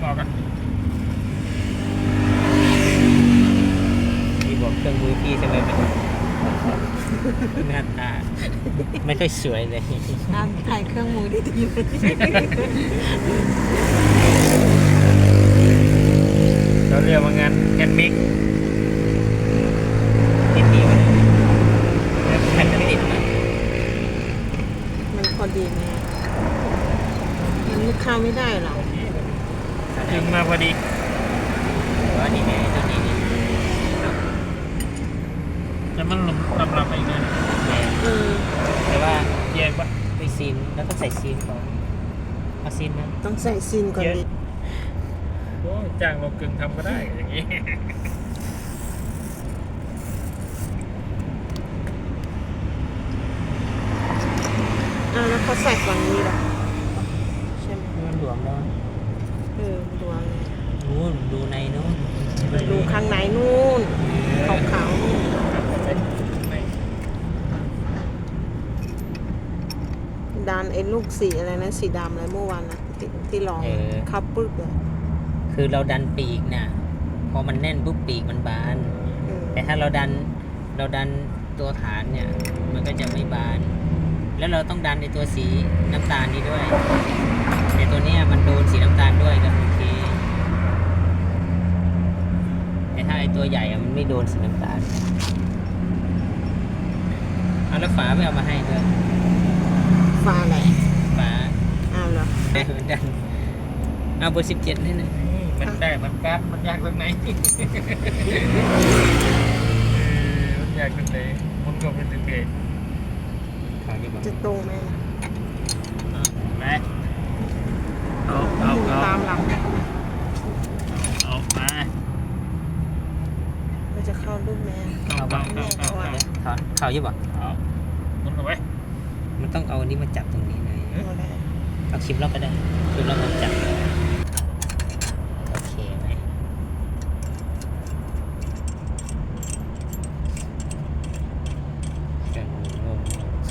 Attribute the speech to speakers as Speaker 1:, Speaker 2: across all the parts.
Speaker 1: อกกัน
Speaker 2: พี่บอกเครื่องมือพี่ทำไมมันหน้าตาไม่ค่อยสวยเลย
Speaker 3: ถ่ายเครื่องมือได้ดีเลย
Speaker 1: เราเรียกว่างานแฮนด์เมด
Speaker 2: ติดดีไหมแผ่นจะติดไหม
Speaker 3: มันพอดีไหมมันลูกค้าไม่ได้หรอ
Speaker 1: ถึงมาพอดี
Speaker 2: ว่านี่ไงตัวนี้นี่
Speaker 1: แต่มันลำไปอีกนะ
Speaker 2: แต่ว่า
Speaker 1: แยกปะ
Speaker 2: ไปซีนแล้วต้องใส่ซีนก่อนเอาซีนนะ
Speaker 3: ต้องใส่ซินก่อนดิ
Speaker 1: โอ้จ้างเรากึ่งทำก็ได้อย่างนี้
Speaker 3: แล้วเขาใส่ฝั่งนี้หรอใช่ไหม
Speaker 2: มันหลวมแล้ว
Speaker 3: ดูอะไร
Speaker 2: นู้นดูในนู้น
Speaker 3: ดูข้างในนู่นขาวๆนู่นดันไอ้ลูกสีอะไรนะสีดำอะไรเมื่อวานนะที่ลองคับปึ๊บเลย
Speaker 2: คือเราดันปีกน่ะพอมันแน่นปุ๊บปีกมันบาน แต่ถ้าเราดันตัวฐานเนี่ยมันก็จะไม่บาน แล้วเราต้องดันในตัวสีน้ำตาลนี้ด้วยแต่ตัวเนี้ยมันโดนสีน้ำตาลด้วยก็โอเคแต่ถ้าไอตัวใหญ่อะมันไม่โดนสีน้ำตาลเอาแล้วฝาไม่เอามาให้ด้วย
Speaker 3: ฟ้าอะไร
Speaker 2: ฝา
Speaker 3: อ้าวเหรอ
Speaker 2: ดันเอาเบอร์17นี่นะ
Speaker 1: มันได้มันกัดมันยากตรงไหนมันยากตรงไหนมันก็เป็นตึกเกต
Speaker 2: เขาจะบอก
Speaker 3: จะตรงไหม
Speaker 1: ไหมเอา
Speaker 3: ตามหลัง
Speaker 1: เอามา
Speaker 3: มันจะเข้ารูปแม่
Speaker 2: เอาบ้างเขาจะบอก
Speaker 1: เอามุนเอาไว้
Speaker 2: มันต้องเอาอันนี้มาจับตรงนี้เลย
Speaker 3: เอาได้
Speaker 2: เอาคลิปล็อกก็ได้คลิปล็อกมาจับโอเคไหมกันงง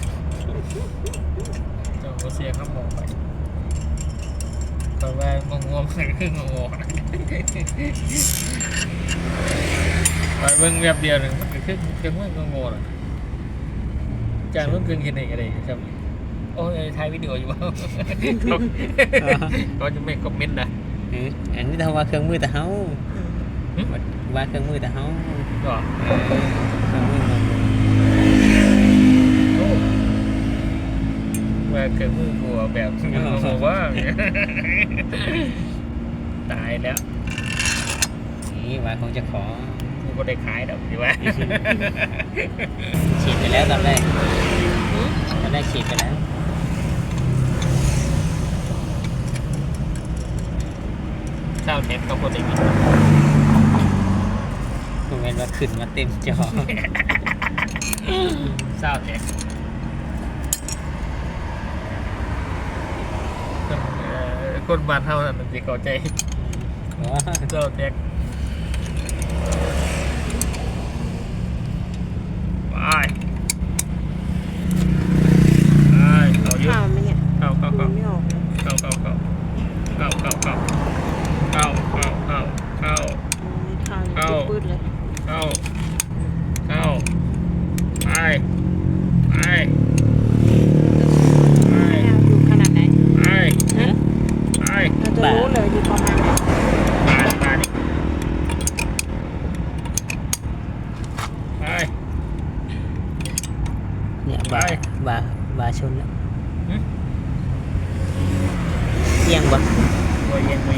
Speaker 1: เจ้าก็เสียครับมองไปตอนแรกงงๆมันคืองงๆนะไปเบิ่งแบบเดียวหนึ่งมันก็คือมันงงๆนะจางต้องกึ่งเห็นอะไรครับโอ้ยถ่ายวิดีโออยู่ว่าก็จะไม่คอมเมนต์นะ
Speaker 2: อันนี้ทำว่าเครื่องมือแต่เฮาว่าเครื่องมือแต่เฮา
Speaker 1: ก็
Speaker 2: เครื่องมืองง
Speaker 1: โอ้ว่าเกิดมือกูแบบงงว่าตายแล้ว
Speaker 2: นี่ว่าคงจะขอ
Speaker 1: กูก็ได้ขายแล้วดีว่า
Speaker 2: ฉีดไปแล้วตอนแรกฉีดไปแล้ว
Speaker 1: เจ้าเน็ตก็พอดี
Speaker 2: ผมเห็นว่าขึ้นมาเต็มจอ
Speaker 1: เจ้าเน็ตคนบ้านเท่านั้นมันจะเข้าใจเจ้าเน็ตไปเอาอยู่
Speaker 3: ข้าวไหมเนี่ย
Speaker 1: เข้า
Speaker 3: ดูไม่ออกเลย
Speaker 1: เข้า
Speaker 3: ไม่ข้าว ปืดเลย อยู่ขนาดไหนเราจะรู้เลยอยู่ประมาณไหน
Speaker 2: เนี่ยบาชนแล้วเอียงบ่
Speaker 1: ไป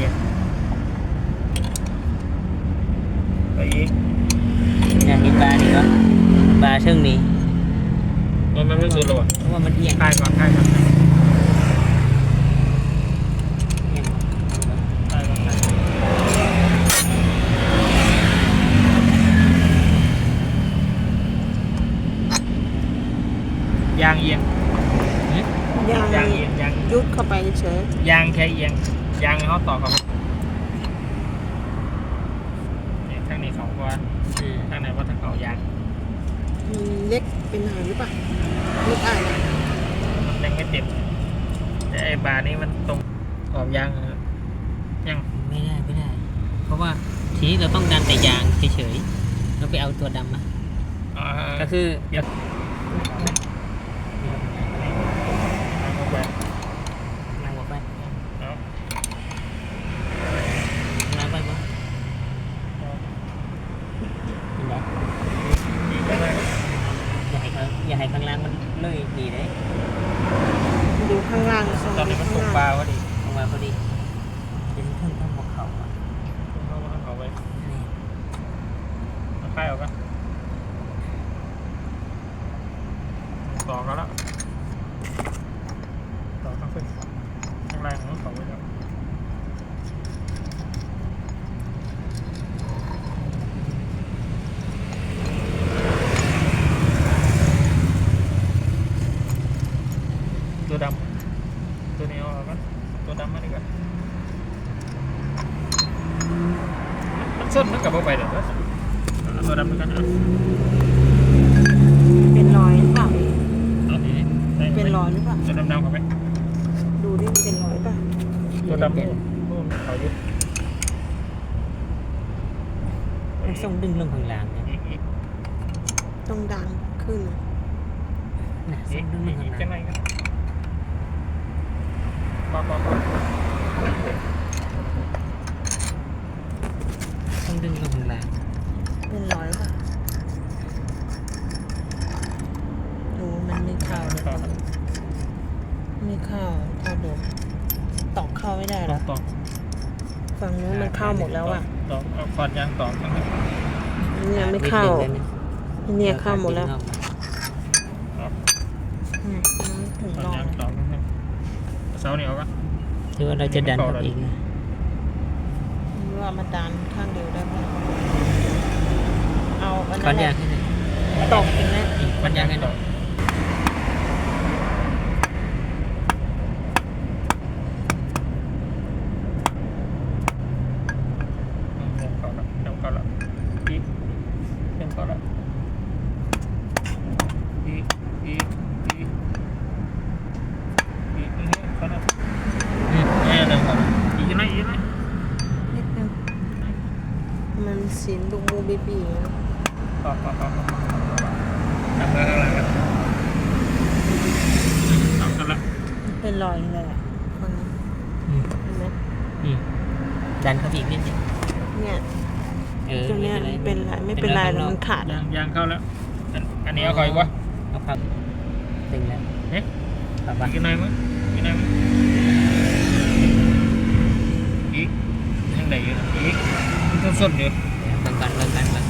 Speaker 1: อีก
Speaker 2: เนี่ยเห็นบานี่ก็บาเชิงนี้
Speaker 1: มันไม่สุดหรอ
Speaker 2: เพราะว่ามันเอียง
Speaker 1: ถ่ายก่อนยางเอียง
Speaker 3: ยาง
Speaker 1: ยาง
Speaker 3: ยุดเข้าไปเฉย
Speaker 1: ยางแค่เอียงยางเขาต่อกับทางนี้เขาว่าทางไหนว่าทางเขายาง
Speaker 3: เล็กเป็นหางหรือเปล่าลูกอ่าน
Speaker 1: มันยังไม่เต็มแต่ไอ้บาร์นี้มันตรงขอบยางยัง
Speaker 2: บไม่ได้ไม่ได้ เพราะว่าทีนี้เราต้องดันแต่ยางเฉยๆเราไปเอาตัวดำมา ก็คือ
Speaker 1: เดี๋ยวเอาไป
Speaker 2: นั่งออกไป
Speaker 1: เอา
Speaker 2: นั่งไปบ่เป็นไร
Speaker 1: อีกอะไร
Speaker 2: อย่าให้ข้างล่างมันเลยดีเลย
Speaker 3: ดูข้างล่าง
Speaker 1: ตอนนี้มันตกปลาพอดี
Speaker 2: ออกมาพอดีเป็นเพิ่งทำหัวเข่าอ่ะ
Speaker 1: เอาไป
Speaker 2: นี่
Speaker 1: เอาค่ายออกกันต่อกันแล้วต่อข้างขึ้นข้างล่างของเขาไปแล้วตัวดำตัวนี้เอาออกกันตัวดำมาดีกว่ามันส้นมันกลับไปเดี๋ยวตัวดำด้วยกันเอา
Speaker 3: เป็นรอยหรือเปล่า
Speaker 1: เอาดีได้ไหม
Speaker 3: เป็นรอยหรือเปล่า
Speaker 1: ตัวดำๆเข้าไป
Speaker 3: ดูดิมันเป็นรอยป่ะ
Speaker 1: ตัวดำนู่นเขายึด
Speaker 2: มันส่งดึงลงข้างล่างเนี่ย
Speaker 1: อีก
Speaker 3: ต้องดังขึ้น
Speaker 2: นะ
Speaker 1: อี
Speaker 2: ส่
Speaker 1: ก
Speaker 2: งดึงลงข้าง
Speaker 1: จะ
Speaker 2: ล่าง
Speaker 1: ไหนกันปอก
Speaker 2: ส่งดึงลงข้างล่าง
Speaker 3: เป็นรอยป่ะโอ้มันไม่เข้าเลยไม่เข้าเข้าดูตอกเข้าไม่ได้เหรอ
Speaker 1: ตอก
Speaker 3: ฝั่งนู้นมันเข้าหมดแล้วอ่ะ
Speaker 1: ตอกเอาฟันยางตอกทั้งนั้น
Speaker 3: เนี่ยไม่เข้า เนี่ยเข้าหมดแล้ว
Speaker 1: ตอก
Speaker 3: เนี่ยมันถึง
Speaker 1: ฟัน
Speaker 3: รอย
Speaker 1: ยางตอกทั้งนั้นเสาเหนียวกัน
Speaker 2: คือว่าเราจะดันออกอีกนะ
Speaker 3: นี่ว่ามาดันข้างเดียวได้ไหมเอาอัน
Speaker 2: ก้
Speaker 3: นั้
Speaker 2: อน
Speaker 3: นแห
Speaker 2: ยา
Speaker 3: ละ
Speaker 2: งให้หน่อย
Speaker 3: ตอกอีกแล้ว
Speaker 2: ก้อนยางให้ห
Speaker 1: ต
Speaker 2: น่
Speaker 1: อ
Speaker 2: อก ย
Speaker 1: เข้าแล้วอีกเข้าแล้วอีกเข้าแล้วเนี่ยเริ่มเข้าแล้วอีกไหม
Speaker 3: นิดนึงมันสีลูกมูบีบีนะ
Speaker 1: ต่อทำเลยข้างหลังกันทำกันละ
Speaker 3: เป็นรอยเลยอ่ะฝั่งนี้
Speaker 2: อืม
Speaker 3: เห็นไหม
Speaker 2: อืมดันเข้าไปอีกนิดนึง
Speaker 3: เนี่ย ตรงเนี้ย
Speaker 2: ไม่
Speaker 3: เป็นไรไม่เป็นไรแล้วมันขาด
Speaker 1: ยางเข้าแล้วอันนี้เอาคอยวะ
Speaker 2: เอาพับตึงแล้ว
Speaker 1: เนี่ย
Speaker 2: พับ
Speaker 1: อี
Speaker 2: ปะ
Speaker 1: กหน่อยมั้ยอีกหน่อยมั้ยอีกยังไหนอยู่อีกต้องส้นอยู่
Speaker 2: เบิ่งกัน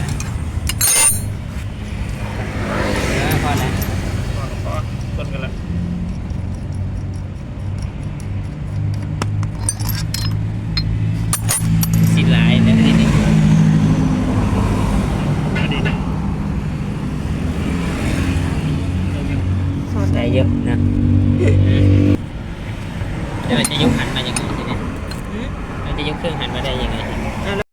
Speaker 2: พอแล้ว
Speaker 1: พอส้นกันละ
Speaker 2: สิหลายแล้วทีนี้
Speaker 1: อันนี้นะ
Speaker 3: สอด
Speaker 2: ได้เยอะนะเดี๋ยวเราจะยกหันมาอย่างไรทีนี้เราจะยกเครื่องหันมาได้ยังไง